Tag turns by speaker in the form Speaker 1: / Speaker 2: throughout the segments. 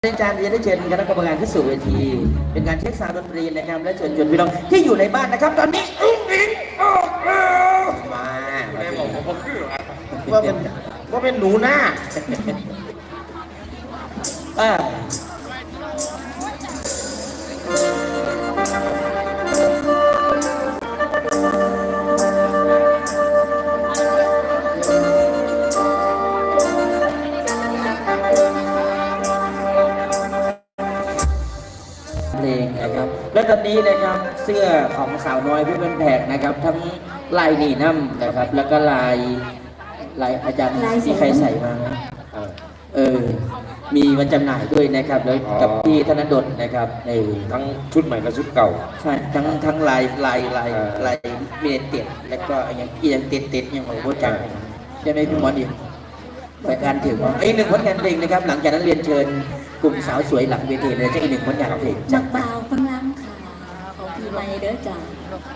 Speaker 1: อาจารย์จะได้เชิญคณะกรรมการขึ้นสู่เวทีเป็นการเช็คซาวด์ดนตรีนะครับและเชิญชวนพี่น้องที่อยู่ในบ้านนะครับตอนนี้มาแม่บอกผมคือว่าเป็นหนูหน้าเพลงนะครับและตอนนี้นะครับเสื้อของสาวน้อยพี่เป็นแผกนะครับทั้งลายนีน้ำนะครับแล้วก็ลายอาจารย์ที่ใครใส่มามีมาจำหน่ายด้วยนะครับแล้วกับพี่ธนดลนะครับใน
Speaker 2: ทั้งชุดใหม่และชุดเก่า
Speaker 1: ใช่ทั้งลายเมนเต็ดแล้วก็อย่างเต็ดอย่างของโบจังใช่ไหมพี่หมอดิรายการถึงว่าอีกหนึ่งผลงานเพลงนะครับหลังจากนั้นเรียนเชิญกลุ่มสาวสวยหลังเวทีเลยจะอีกหนึ่งผลงานเพลง
Speaker 3: จักเบาฟังล้ำค่ะของพี่ใหม่เด้อจ้า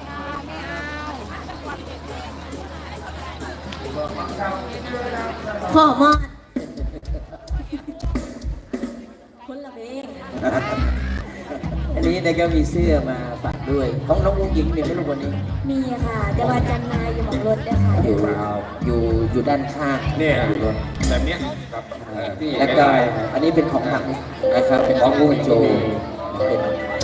Speaker 3: พ่อมอดคนละเพลง
Speaker 1: อันนี้นะครับมีเสื้อมาฝากด้วยของน้องอุ้งอิงเนี่ยไม่รู้วันนี้
Speaker 3: มีค่ะแต่ว่าจำนายอยู่บนรถได้ค่ะ
Speaker 1: อยู่ด้านข้าง
Speaker 2: เนี่ยรถแบบนี้
Speaker 1: แล้วก็อันนี้เป็นของหนังนะครับเป็นของผู้บรรจุเป็น